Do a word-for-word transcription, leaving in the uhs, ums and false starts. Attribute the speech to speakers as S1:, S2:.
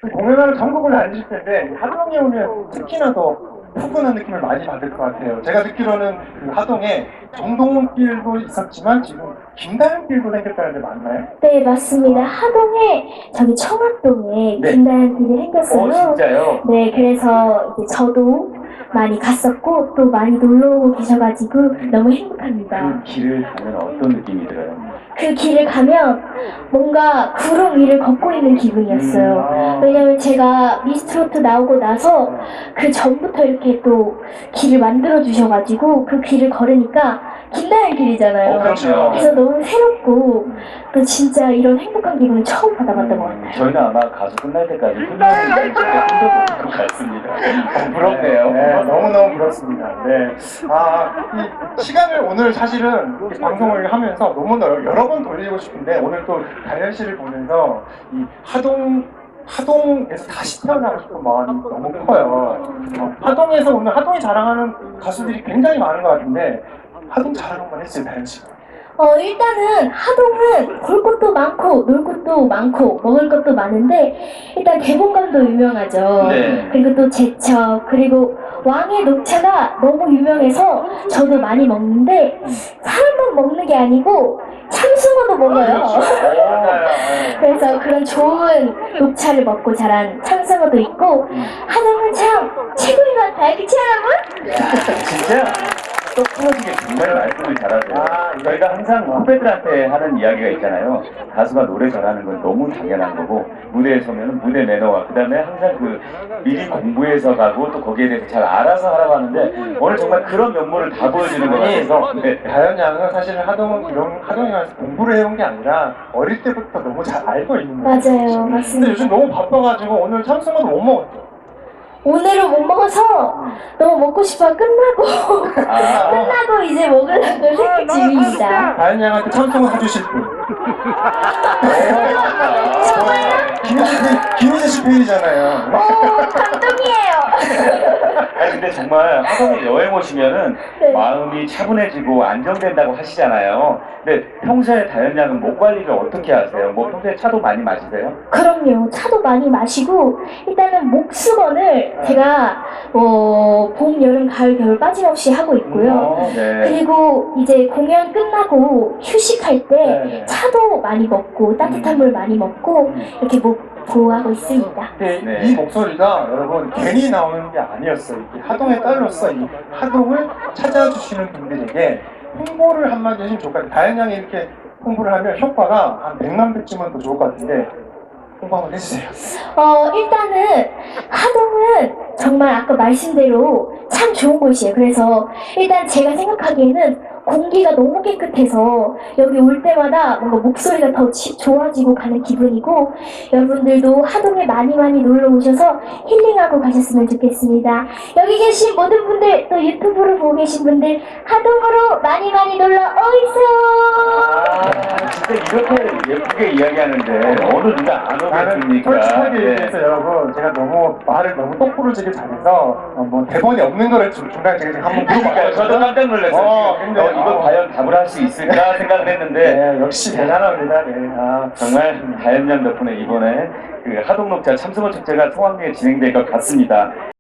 S1: 공연하러 전국을 다니실 텐데 하동에 오면 특히나 더 푸근한 느낌을 많이 받을 것 같아요. 제가 듣기로는 그 하동에 정동원길도 있었지만 지금 김다현길도 생겼다는데 맞나요?
S2: 네, 맞습니다. 하동에 저기 청학동에
S3: 네.
S2: 김다현길이 생겼어요.
S3: 어, 진짜요?
S2: 네, 그래서 이제 저도 많이 갔었고 또 많이 놀러 오고 계셔가지고 너무 행복합니다.
S3: 그 길을 가면 어떤 느낌이 들어요?
S2: 그 길을 가면 뭔가 구름 위를 걷고 있는 기분이었어요.
S1: 아.
S2: 왜냐면 제가 미스트롯 나오고 나서 그 전부터 이렇게 또 길을 만들어 주셔가지고 그 길을 걸으니까 김다현 길이잖아요.
S3: 어, 그렇죠.
S2: 그래서 너무 새롭고 또 진짜 이런 행복한 기분을 처음 받아봤던 것 같아요.
S3: 저희는 아마 가수 끝날 때까지 끝나는 날 진짜 힘들어질 것 같습니다. 어, 부럽네요.
S1: 네, 너무너무 부럽습니다. 네. 아, 이 시간을 오늘 사실은 이렇게 방송을 하면서 너무 여러, 여러 번 돌리고 싶은데 오늘 또 다현 씨를 보면서 이 하동 하동에서 다시 태어나고 싶은 마음이 너무 커요. 어, 하동에서 오늘 하동이 자랑하는 가수들이 굉장히 많은 것 같은데 하동 자랑 한번 했어요, 다현 씨가.
S2: 어, 일단은 하동은 볼 것도 많고 놀 것도 많고 먹을 것도 많은데 일단 개봉감도 유명하죠.
S3: 네.
S2: 그리고 또 제첩 그리고 왕의 녹차가 너무 유명해서 저도 많이 먹는데 사람만 먹는 게 아니고 참숭어도 먹어요. 그래서 그런 좋은 녹차를 먹고 자란 참숭어도 있고 하동은 참 최고인 것 같아요. 그치 여러분?
S3: 야, 진짜 똑 부러지게 정말 말씀을 잘하세요.
S1: 아,
S3: 저희가 항상 후배들한테 하는 이야기가 있잖아요. 가수가 노래 잘하는 건 너무 당연한 거고 무대에 서면 무대 매너와 그 다음에 항상 그 미리 공부해서 가고 또 거기에 대해서 잘 알아서 하라고 하는데 오늘 정말 그런 면모를 다 보여주는 것 같아서 네.
S1: 다현 양은 사실은 하동은 이런 하동에 가서 공부를 해온 게 아니라 어릴 때부터 너무 잘 알고 있는 거예요.
S2: 맞아요.
S1: 근데
S2: 맞습니다.
S1: 요즘 너무 바빠가지고 오늘 참숭어도 못 먹었죠.
S2: 오늘은 못 먹어서 너무 먹고 싶어 끝나고
S3: 아,
S2: 끝나고 이제 먹으려고 생각 중입니다.
S1: 다현 양한테 참숭어 사주실 분. 김희재 김희재 씨 팬이잖아요.
S2: 오, 감동이에요.
S3: 아니 근데 정말 하동에 여행 오시면은
S2: 네.
S3: 마음이 차분해지고 안정된다고 하시잖아요. 근데 평소에 다현 양은 목 관리를 어떻게 하세요? 뭐 평소에 차도 많이 마시세요?
S2: 그럼요. 차도 많이 마시고 일단은 목수건을 제가 어, 봄, 여름, 가을, 겨울 빠짐없이 하고 있고요.
S3: 어, 네.
S2: 그리고 이제 공연 끝나고 휴식할 때
S1: 네.
S2: 차도 많이 먹고 따뜻한 물 많이 먹고 이렇게 목 보호하고 있습니다.
S1: 근데
S3: 네.
S1: 이 목소리가 여러분 괜히 나오는 게 아니었어요. 이 하동의 딸로서 이 하동을 찾아주시는 분들에게 홍보를 한마디 해주면 좋을 것 같아요. 다현 양이 이렇게 홍보를 하면 효과가 한 백만 배쯤은 더 좋을 것 같은데 홍보 한번 해주세요.
S2: 어, 일단은 하동은 정말 아까 말씀대로 참 좋은 곳이에요. 그래서 일단 제가 생각하기에는 공기가 너무 깨끗해서 여기 올 때마다 뭔가 목소리가 더 지, 좋아지고 가는 기분이고 여러분들도 하동에 많이 많이 놀러 오셔서 힐링하고 가셨으면 좋겠습니다. 여기 계신 모든 분들 또 유튜브로 보고 계신 분들 하동으로 많이 많이 놀러 오이소.
S3: 아, 진짜 이렇게 예쁘게 이야기하는데 어느 누가 안
S1: 나는
S3: 오겠습니까?
S1: 솔직하게
S3: 네.
S1: 얘기해서 여러분 제가 너무 말을 너무 똑부러지게 잘해서 어, 뭐 대본이 없는 거를 중- 중간에 제가 지금 한번
S3: 그러니까
S1: 물어봤어요.
S3: 저도 깜짝 놀랐어요.
S1: 어,
S3: 지금.
S1: 근데,
S3: 어, 이거
S1: 어.
S3: 과연 답을 할 수 있을까 생각을 했는데
S1: 네, 역시 대단합니다. 네. 아,
S3: 정말 다현 양 덕분에 이번에 그 하동록자 참승어 축제가 성황리에 진행될 것 같습니다.